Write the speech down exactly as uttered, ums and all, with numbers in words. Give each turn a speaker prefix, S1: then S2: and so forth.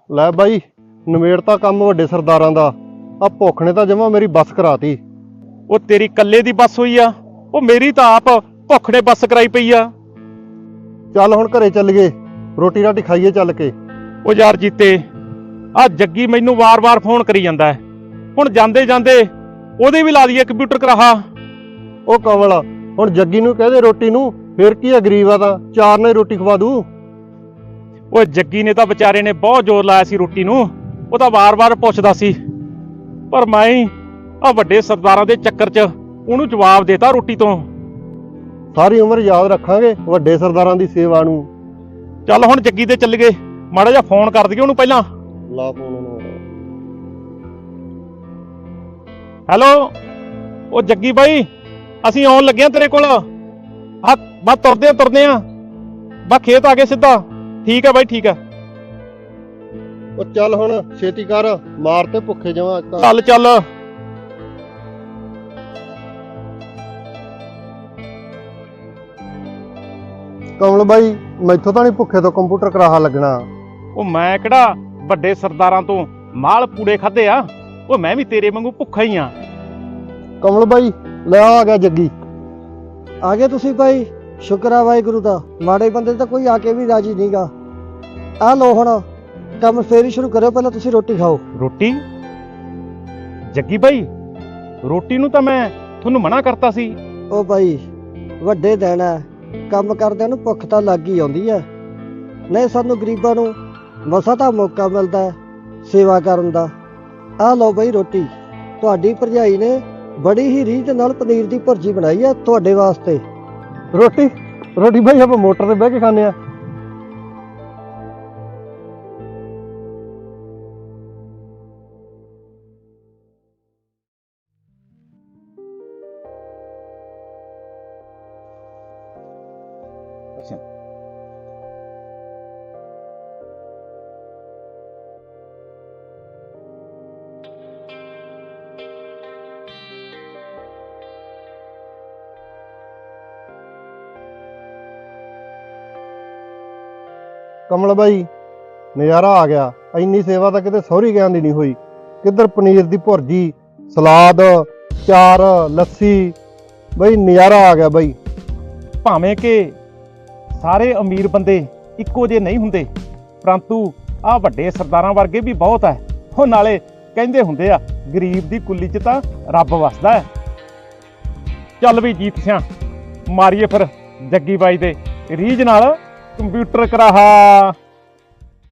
S1: ਲੈ ਬਾਈ ਨਵੇੜਤਾ ਕੰਮ ਵੱਡੇ ਸਰਦਾਰਾਂ ਦਾ। ਆ ਭੁੱਖ ਨੇ ਤਾਂ ਜਮਾ ਮੇਰੀ ਬੱਸ ਕਰਾਤੀ।
S2: ਉਹ ਤੇਰੀ ਕੱਲੇ ਦੀ ਬੱਸ ਹੋਈ ਆ, ਉਹ ਮੇਰੀ ਤਾਂ ਆਪ ਭੁੱਖ ਨੇ ਬੱਸ ਕਰਾਈ ਪਈ ਆ।
S1: ਚੱਲ ਹੁਣ ਘਰੇ ਚੱਲ ਗਏ, ਰੋਟੀ ਰਾਟੀ ਖਾਈਏ ਚੱਲ ਕੇ।
S2: ਉਹ ਯਾਰ ਜੀਤੇ, ਆ ਜੱਗੀ ਮੈਨੂੰ ਵਾਰ-ਵਾਰ ਫੋਨ ਕਰੀ ਜਾਂਦਾ ਹੈ। ਹੁਣ ਜਾਂਦੇ ਜਾਂਦੇ ਉਹਦੇ ਵੀ ਲਾ ਦਈਏ ਕੰਪਿਊਟਰ ਕਰਾਹਾ।
S1: ਉਹ ਕਮਲ, ਹੁਣ ਜੱਗੀ ਨੂੰ ਕਹਦੇ ਰੋਟੀ ਨੂੰ, ਫਿਰ ਕੀ ਆ, ਗਰੀਬ ਆ ਤਾਂ ਚਾਰ ਨੇ ਰੋਟੀ ਖਵਾ ਦੂ।
S2: ਉਹ ਜੱਗੀ ਨੇ ਤਾਂ ਵਿਚਾਰੇ ਨੇ ਬਹੁਤ ਜ਼ੋਰ ਲਾਇਆ ਸੀ ਰੋਟੀ ਨੂੰ, ਉਹ ਤਾਂ ਵਾਰ-ਵਾਰ ਪੁੱਛਦਾ ਸੀ, ਪਰ ਮੈਂ ਹੀ ਆ ਵੱਡੇ ਸਰਦਾਰਾਂ ਦੇ ਚੱਕਰ 'ਚ ਉਹਨੂੰ ਜਵਾਬ ਦੇਤਾ ਰੋਟੀ ਤੋਂ।
S1: ਸਾਰੀ ਉਮਰ ਯਾਦ ਰੱਖਾਂਗੇ ਵੱਡੇ ਸਰਦਾਰਾਂ ਦੀ ਸੇਵਾ ਨੂੰ।
S2: ਚੱਲ ਹੁਣ ਜੱਗੀ ਤੇ ਚੱਲ ਗਏ, ਮਾੜਾ ਜਿਹਾ ਫੋਨ ਕਰ ਦਈਏ ਉਹਨੂੰ ਪਹਿਲਾਂ।
S1: ਲਾ ਫੋਨ ਉਹਨੂੰ।
S2: ਹੈਲੋ, ਉਹ ਜੱਗੀ ਬਾਈ, ਅਸੀਂ ਆਉਣ ਲੱਗੇ ਆ ਤੇਰੇ ਕੋਲ। ਆ ਬਸ ਤੁਰਦੇ ਆ ਤੁਰਦੇ ਆ ਬਸ ਖੇਤ ਆ ਗਏ ਸਿੱਧਾ। ਠੀਕ ਆ ਬਾਈ, ਠੀਕ ਆ।
S1: ਉਹ ਚੱਲ ਹੁਣ ਛੇਤੀ ਕਰ, ਮਾਰ ਤੇ ਭੁੱਖੇ ਜਮਾ।
S2: ਚੱਲ ਚੱਲ।
S1: ਕਮਲ ਬਾਈ, ਮੈਥੋਂ ਤਾਂ ਨਹੀਂ ਭੁੱਖੇ ਤੋਂ ਕੰਪਿਊਟਰ ਕਰਾਹਾ ਲੱਗਣਾ।
S2: ਉਹ ਮੈਂ ਕਿਹੜਾ ਵੱਡੇ ਸਰਦਾਰਾਂ ਤੋਂ ਮਾਲ ਪੂੜੇ ਖਾਦੇ ਆ, ਉਹ ਮੈਂ ਵੀ ਤੇਰੇ ਵਾਂਗੂ ਭੁੱਖਾ ਹੀ ਆ।
S1: ਕਮਲ ਬਾਈ ਲੈ ਆ ਗਿਆ ਜੱਗੀ।
S3: ਆ ਗਏ ਤੁਸੀਂ ਭਾਈ, ਸ਼ੁਕਰ ਆ ਵਾਹਿਗੁਰੂ ਦਾ। ਮਾੜੇ ਬੰਦੇ ਤਾਂ ਕੋਈ ਆ ਕੇ ਵੀ ਰਾਜੀ ਨਹੀਂਗਾ। ਆ ਲੋ ਹੁਣ ਕੰਮ ਫੇਰ ਹੀ ਸ਼ੁਰੂ ਕਰਿਓ, ਪਹਿਲਾਂ ਤੁਸੀਂ ਰੋਟੀ ਖਾਓ।
S2: ਰੋਟੀ? ਜੱਗੀ ਬਾਈ, ਰੋਟੀ ਨੂੰ ਤਾਂ ਮੈਂ ਤੁਹਾਨੂੰ ਮਨਾ ਕਰਤਾ ਸੀ।
S3: ਉਹ ਭਾਈ ਵੱਡੇ ਦਿਨ ਹੈ, ਕੰਮ ਕਰਦਿਆਂ ਨੂੰ ਭੁੱਖ ਤਾਂ ਲੱਗ ਹੀ ਆਉਂਦੀ ਹੈ। ਨਹੀਂ ਸਾਨੂੰ ਗਰੀਬਾਂ ਨੂੰ ਮਸਾ ਤਾਂ ਮੌਕਾ ਮਿਲਦਾ ਹੈ ਸੇਵਾ ਕਰਨ ਦਾ। ਆ ਲਓ ਭਾਈ ਰੋਟੀ, ਤੁਹਾਡੀ ਭਰਜਾਈ ਨੇ ਬੜੀ ਹੀ ਰੀਝ ਨਾਲ ਪਨੀਰ ਦੀ ਭੁਰਜੀ ਬਣਾਈ ਹੈ ਤੁਹਾਡੇ ਵਾਸਤੇ।
S1: ਰੋਟੀ ਰੋਟੀ ਬਾਈ ਆਪਾਂ ਮੋਟਰ ਤੇ ਬਹਿ ਕੇ ਖਾਂਦੇ ਆ। ਕਮਲ ਬਾਈ ਨਜ਼ਾਰਾ ਆ ਗਿਆ। ਇੰਨੀ ਸੇਵਾ ਤਾਂ ਕਿਤੇ ਸਹੁਰੀ ਗਿਆਨ ਦੀ ਨਹੀਂ ਹੋਈ। ਕਿੱਧਰ ਪਨੀਰ ਦੀ ਭੁਰਜੀ, ਸਲਾਦ, ਚਾਰ, ਲੱਸੀ, ਬਈ ਨਜ਼ਾਰਾ ਆ ਗਿਆ ਬਾਈ।
S2: ਭਾਵੇਂ ਕਿ ਸਾਰੇ ਅਮੀਰ ਬੰਦੇ ਇੱਕੋ ਜਿਹੇ ਨਹੀਂ ਹੁੰਦੇ, ਪਰੰਤੂ ਆਹ ਵੱਡੇ ਸਰਦਾਰਾਂ ਵਰਗੇ ਵੀ ਬਹੁਤ ਹੈ। ਉਹ ਨਾਲੇ ਕਹਿੰਦੇ ਹੁੰਦੇ ਆ, ਗਰੀਬ ਦੀ ਕੁੱਲੀ 'ਚ ਤਾਂ ਰੱਬ ਵਸਦਾ ਹੈ। ਚੱਲ ਵੀ ਜੀਤ ਸਿਆਂ, ਮਾਰੀਏ ਫਿਰ ਜੱਗੀ ਬਾਈ ਦੇ ਰੀਝ ਨਾਲ ਕੰਪਿਊਟਰ ਕਰਾਹਾ।